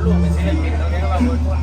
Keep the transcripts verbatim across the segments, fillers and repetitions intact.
ลูกเป็นศิลปินเราเรียกว่าอดทน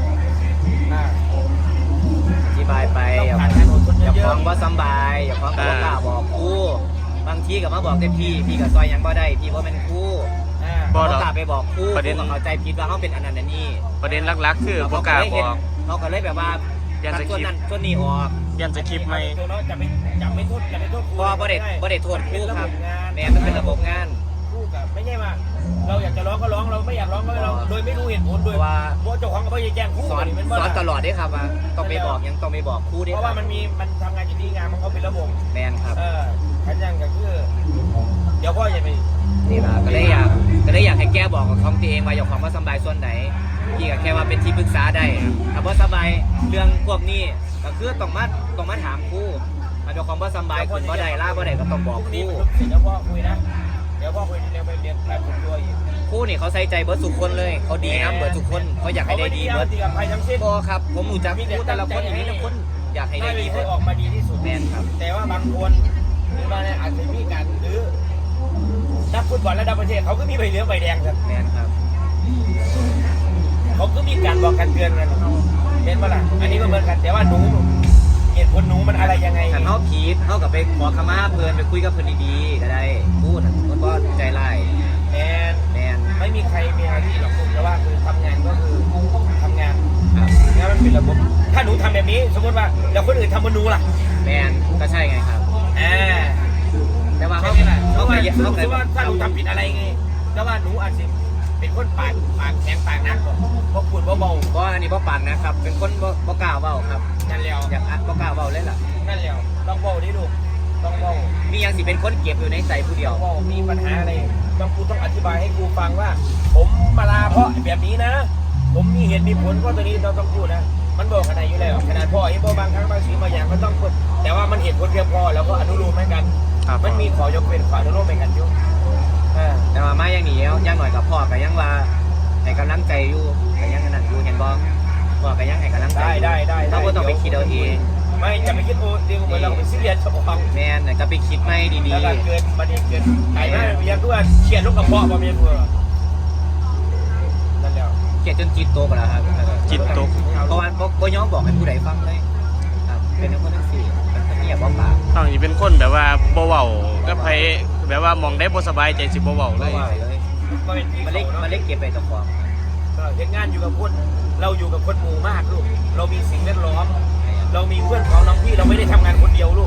อธิบายไปอย่าอย่าฟ้องว่าสบายอย่าฟ้องกับว่ากล้าบอกครูบางทีกับมาบอกแต่พี่พี่กับซอยยังบ่ได้พี่ว่าเป็นครูบ่กล้าไปบอกครูครูก็เข้าใจผิดว่าเขาเป็นอันนั้นนี่ประเด็นหลักๆคือบ่กล้าบอกเขาก็เลยแบบว่าส่วนนั้นส่วนนี้ออกยันจะคลิปไหมจะไม่จะไม่โทษจะไม่โทษครูบ่บ่ได้บ่ได้โทษครูครับแม่มันเป็นระบบงานครูกับไม่ใช่ว่าเราอยากจะร้องก็ร้องเราไม่อยากร้องก็ไม่ร้องโดยไม่รู้เหตุผลโดยว่าเจ้าของก็ไม่แจ้งครูสอนสอนตลอดได้ครับว่าต้องไปบอกยังต้องไปบอกครูได้เพราะว่ามันมีมันทำงานอยู่ที่งานมันเขาเป็นระบบแมนครับเออขันยังก็คือเดี๋ยวพ่ออย่าไปนี่ล่ะก็เลยอยากก็เลยอยากให้แก้บอกกับของตัวเองว่าอย่าความว่าสบายส่วนไหนพี่ก็แค่ว่าเป็นที่ปรึกษาได้ถ้าว่าสบายเรื่องพวกนี้ก็คือต้องมาต้องมาถามครูถ้าเจ้าของว่าสบายคุณบ่ได้ล่าบ่ได้ก็ต้องบอกครูเดี๋ยวพ่อคุยนะเดี๋ยวพ่อคุยเดี๋ยวไปเรียนการฝึกตัวอีกครูนี่เขาใส่ใจเบิร์ดทุกคนเลยเขาดีนะเบิร์ดทุกคนเขาอยากให้ได้ดีเบิร์ดพอครับผมรู้จักครูแต่ละคนอย่างนี้ทุกคนอยากให้ได้ดีให้ออกมาดีที่สุดแมนครับแต่ว่าบางคนหรือว่าในอาจจะมีการหรือนักฟุตบอลระดับประเทศเขาก็มีใบเหลืองใบแดงครับแมนครับเขาก็มีการบอกกันเตือนกันเห็นปะล่ะอันนี้ก็เหมือนกันแต่ว่าหนูเหตุผลหนูมันอะไรยังไงถ้าเขาผิดเขากับไปขอขมาเพื่อนไปคุยกับเพื่อนดีๆก็ได้พูดมันก็ใจไล่แมนแมนไม่มีใครมีอะไรที่หรอกผมแต่ว่าคือทำงานก็คือทำงานแล้วมันเป็นระบบถ้าหนูทำแบบนี้สมมติว่าแล้วคนอื่นทำเหมือนหนูล่ะแมนก็ใช่ไงครับอ่าแต่ว่าเขาเขาเขาเคยเขาเคยว่าถ้าหนูทำผิดอะไรไงแต่ว่าหนูอาจจะเป็นคนปากปากแข็งปากนักเพราะพูดเบาๆเพราะอันนี้เพราะปากนะครับเป็นคนบ่กล้าเบาครับนั่นแล้วอยากบ่กล้าเบาเลยล่ะนั่นแล้วต้องเบาดิลูกต้องเบามียังสิเป็นคนเก็บอยู่ในใจผู้เดียวว่ามีปัญหาอะไรต้องกูต้องอธิบายให้กูฟังว่าผมมาลาเพราะแบบนี้นะผมมีเหตุมีผลเพราะตัวนี้เราต้องพูดนะมันบอกขนาดอยู่แล้วขนาดพ่อไอ้พ่อบางครั้งบางสิ่งบางอย่างก็ต้องพูดแต่ว่ามันเหตุผลเพียงพอแล้วก็อนุโลมให้กันมันมีขอยกเว้นขออนุโลมให้กันอยู่แต่ว่ามาอย่างนี้ยังหน่อยกับพ่อกับยังว่าให้กำลังใจอยู่กับยังนั่นอยู่เห็นบ่พ่อกับยังให้กำลังใจได้ได้ได้เราก็ต้องไปคิดเอาเองไม่จะไปคิดโอ้เดี๋ยวเราไปซีเรียสเฉพาะแม่นก็ไปคิดไม่ดีๆแล้วเกิดบันเกิดไอ้แม่เรียกด้วยเขียนลูกกระเพาะมาเมียเพื่อนั่นแล้วเขียนจนจิตตกแล้วครับจิตตกเพราะว่าก็ย้อมบอกให้ผู้ใดฟังเลยครับเป็นคนทั้งสี่มันเงียบบ่ปากต้องอีเป็นคนแบบว่าบ่เว้าก็ไผแบบว่ามองได้บ่สบายใจสิบ่เว้าเลยมันเล็กมันเล็กเก็บไปตัวความเห็นงานอยู่กับคนเราอยู่กับคนหมู่มากลูกเรามีสิ่งแวดล้อมเรามีเพื่อนของน้องพี่เราไม่ได้ทำงานคนเดียวลูก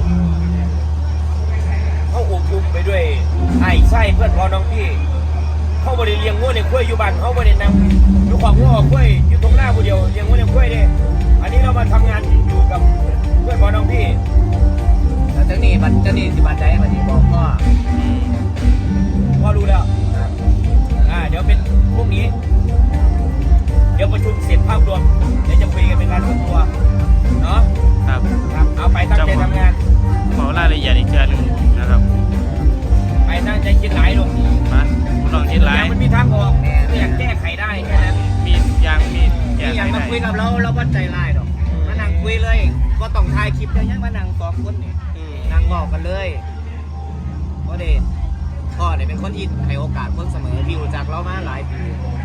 เขาอบอุ่นไปด้วยไอ้ไส้เพื่อนของน้องพี่เขาบริเลี้ยงวัวในคุ้ยอยู่บ้านเขาบริเนำอยู่ของวัวคุ้ยอยู่ตรงหน้าผู้เดียวเลี้ยงวัวในคุ้ยเนี่ยอันนี้เรามาทำงานอยู่กับเพื่อนของน้องพี่แล้วเจ้านี่บัตรเจ้านี่สิบัตรใจบัตรนี้บอกพ่อพ่อรู้แล้วอ่าเดี๋ยวเป็นพวกนี้เดี๋ยวประชุมเสร็จภาพรวมเดี๋ยวจะคุยกันเป็นการส่วนตัวเนาะครับครับเอาไปตั้งใจทำงานขอรายละเอียดอีกเทื่อนึงนะครับไปตั้งใจคิดหลายลงมาลองคิดหลายมันมีทางออกไม่อยากแก้ไขได้แค่นั้นมีอย่างมีแก้ไขได้มาคุยกับเราเราวัดใจร้ายหรอกมานั่งคุยเลยก็ต้องถ่ายคลิปเดี๋ยวยังมานั่งสองคนนี่นั่งบอกกันเลยเพราะเด็กพ่อเนี่ยเป็นคนที่ให้โอกาสคนเสมอที่รู้จักเรามาหลายปี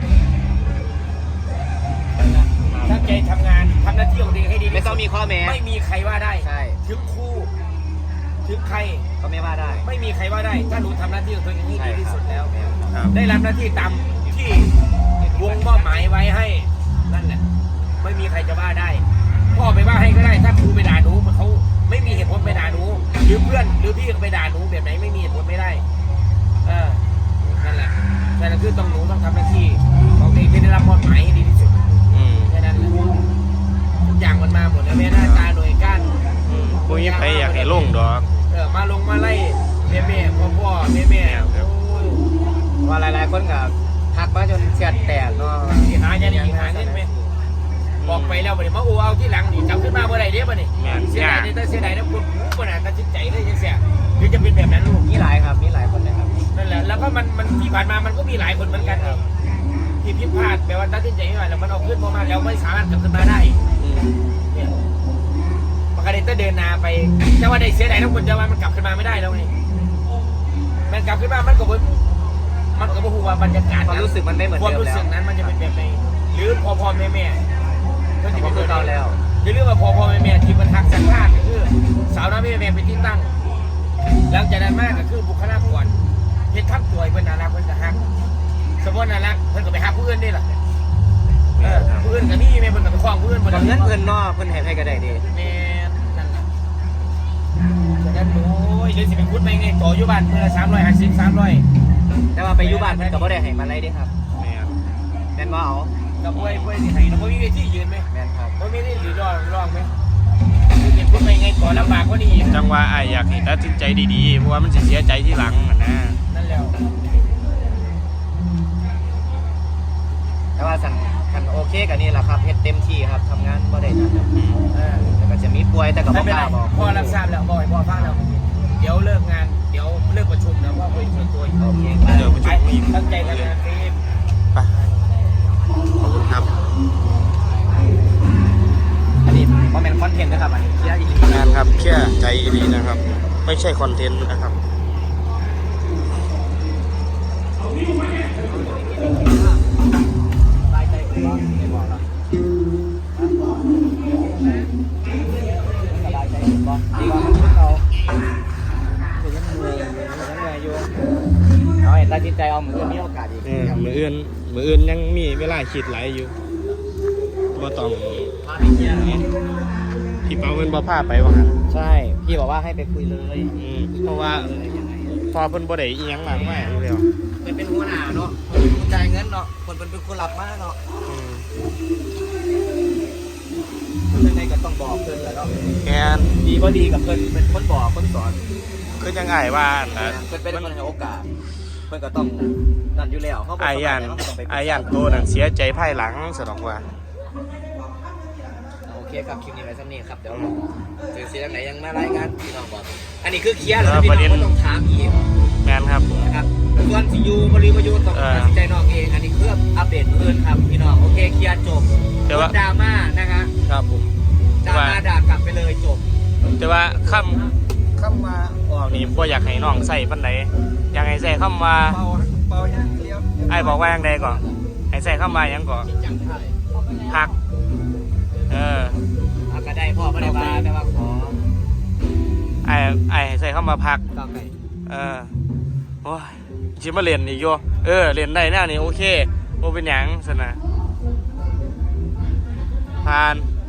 ตั้งใจทำงานทำหน้าที่ของตัวเองให้ดีไม่ต้องมีข้อแม้ไม่มีใครว่าได้ใช่ถึงครูถึงใครก็ไม่ว่าได้ไม่มีใครว่าได้ถ้าหนูทำหน้าที่ของตัวเองให้ดีที่สุดแล้วได้รับหน้าที่ตามที่วงมอบหมายไว้ให้นั่นแหละไม่มีใครจะว่าได้พ่อไปว่าให้ก็ได้ถ้าครูไปด่าหนูเขาไม่มีเหตุผลไปด่าหนูหรือเพื่อนหรือพี่ก็ไปด่าหนูแบบไหนไม่มีเหตุผลไม่ได้เออนั่นแหละแต่นั่นคือต้องหนูต้องทำหน้าที่ของตัวเองที่ได้รับมอบหมายให้ดีที่สุดแค่นั้นแหละทุกอย่างมันมาหมดแล้วแม่หน้าตาหน่วยก้านพวกนี้ใครอยากให้ลงดอกเออมาลงมาไล่แม่แม่พ่อพ่อแม่แม่ว่าหลายๆคนกับทักมาจนเสียดแตกเนาะที่หาเนี่ยนี่หาเนี่ยไหมบอกไปแล้วบ่ได้มาโอ้เอาที่หลังนี่จำขึ้นมาเมื่อไรเดี๋ยวบ่นี่เสียดายเนี่ยแต่เสียดายนะคุณหูขนาดตัดสินใจเลยยังเสียหรือจะเป็นแบบนั้นลูกมีหลายครับมีหลายคนนะครับนั่นแหละแล้วก็มันมันที่ผ่านมามันก็มีหลายคนเหมือนกันครับที่ผิดพลาดแปลว่าตัดสินใจไม่ไหวแล้วมันเอาขึ้นพอมาแล้วไม่สามารถกลับขึ้นมาได้เนี่ยมันก็ได้แต่เดินนาไปแต่ว่าได้เสียดายทุกคนจะว่ามันกลับขึ้นมาไม่ได้แล้วนี่มันกลับขึ้นมามันก็บมันก็บอกว่าบรรยากาศความรู้สึกมันไม่เหมือนเดิมแล้วความรู้สึกนั้นมันจะเป็นแบบไหนลืมพ่อพ่อแม่แม่เพื่อนที่ก็เป็นคือเก่าแล้วอย่าลืมว่าพ่อพ่อแม่แม่ที่มันหักสังฆาตก็คือสาวน้ำแม่แม่เป็นที่ตั้งหลังจากนั้นมากก็คือบุคลากรเฮ็ดทับตัวเพื่อนน่ารักเพื่อนก็หักสมมติน่ารักเพื่อนก็ไปหักผู้อื่นได้ล่ะเออผู้อื่นก็นี่แม่เพื่อนก็ไปคล้องผู้อื่นบางเงินเพิ่นเนาะเพิ่นให้ให้ก็ได้ดีแม่นั่นแหละจากนั้นโอ้ยเดี๋ยวสิเป็นคุดไปไงต่ออยู่บ้านเมื่อละสามร้อยห้าสิบสามร้อยแต่ว่าไปอยู่บ้านเพิ่นก็บ่ได้ให้มาไล่เด้ครับแม่นแม่นบ่เอากับป่วยป่วยสิให้เราไม่มีเวทียืนไหมแม่นครับไม่มีที่หรือรองรองไหมเป็นคุดไปไงต่อลำบากกว่านี้อีกจังว่าอ้ายอยากให้ตัดสินใจดีๆเพราะว่ามันสิเสียใจทีหลังอะนะนั่นแล้วแต่ว่าสั่นคันโอเคก็นี่แหละครับเฮ็ดเต็มที่ครับทำงานบ่ได้นั่นครับเออแต่ก็จะมีป่วยแต่ก็บ่ไม่เป็นกไรล้าบอกพ่อรับทราบแล้วบอกให้พ่อฟังแล้วเดี๋ยวเลิกงานเดี๋ยวเลิกประชุมแล้วพ่อคุยส่วนตัวอีกโอเคเดี๋ยวประชุมอีกตั้งใจทำงานฟิล์มไปขอบคุณครับอันนี้บ่แม่นคอนเทนต์นะครับอันนี้เคลียร์อีหลีงานครับแค่ใจดีนะครับ ไม่ใช่คอนเทนต์นะครับสบายใจขึ้นบ่ไม่บอกหรอกสบายใจขึ้นบ่ดีกว่าเอาถึงยังเหนื่อยอยู่ยังเหนื่อยอยู่เอาให้ตัดสินใจเอามือมีโอกาสอีกเออมืออื่นมืออื่นยังมีเวลาคิดหลายอยู่บ่ต้องพาไปเคลียร์พี่เปาเพิ่นบ่พาไปว่างั้นใช่พี่บอกว่าให้ไปคุยเลยอืมเพราะว่าเออยังไงพอเพิ่นบ่ได้อีหยังมากมายอยู่แล้วเป็นเป็นหัวหน้าเนาะคนเป็นคนจ่ายเงินเนาะคนเป็นเป็นคนรับมาเนาะอืมยังไงก็ต้องบอกเพิ่นแหล้วเนาะแม่นดีบ่ดีกับเพิ่นเป็นคนบอกคนสอนคือจังอ้ายว่านะเพิ่นเป็นคนให้โอกาสเพิ่นก็ต้องนั่นอยู่แล้วเขาบอกอ้ายย่านเขาก็ต้องไปอ้ายย่านโตนั่นเสียใจภายหลังซะดอกว่าโอเคครับคลิปนี้ไว้ซ้ำนี้ครับเดี๋ยวถึงเสียงไหนยังมารายงานพี่น้องบอกอันนี้คือเคลียร์แล้วนะพี่น้องก็ต้องถามอีกแม่นครับนะครับส่วนสิอยูบริวายูต้องเออตัดสินใจน้องเองอันนี้เพื่ออัปเดตเพื่อนครับพี่น้องโอเคเคลียร์จบแต่ว่าลดดราม่านะคะครับผมดราม่าด่ากลับไปเลยจบแต่ว่าคำคำว่าออกนี่บ่อยากให้น้องใส่ปานใดอยากให้ใส่คำว่าเบาเบาเนี่ยเลี้ยวไอ้ายบอกว่าอย่างใดก่อนให้ใส่คำว่าหยังก่อนจังไทยพัก เออเอาก็ได้พ่อไม่ได้บาแต่ว่าขอไอ้ไอ้ายให้ใส่คำว่าพักก้าวไก่เออโอ้ยชิมาเรียนอีกโยเออเรียนได้แน่นี่โอเคโอเป็นหยังสนะผ่าน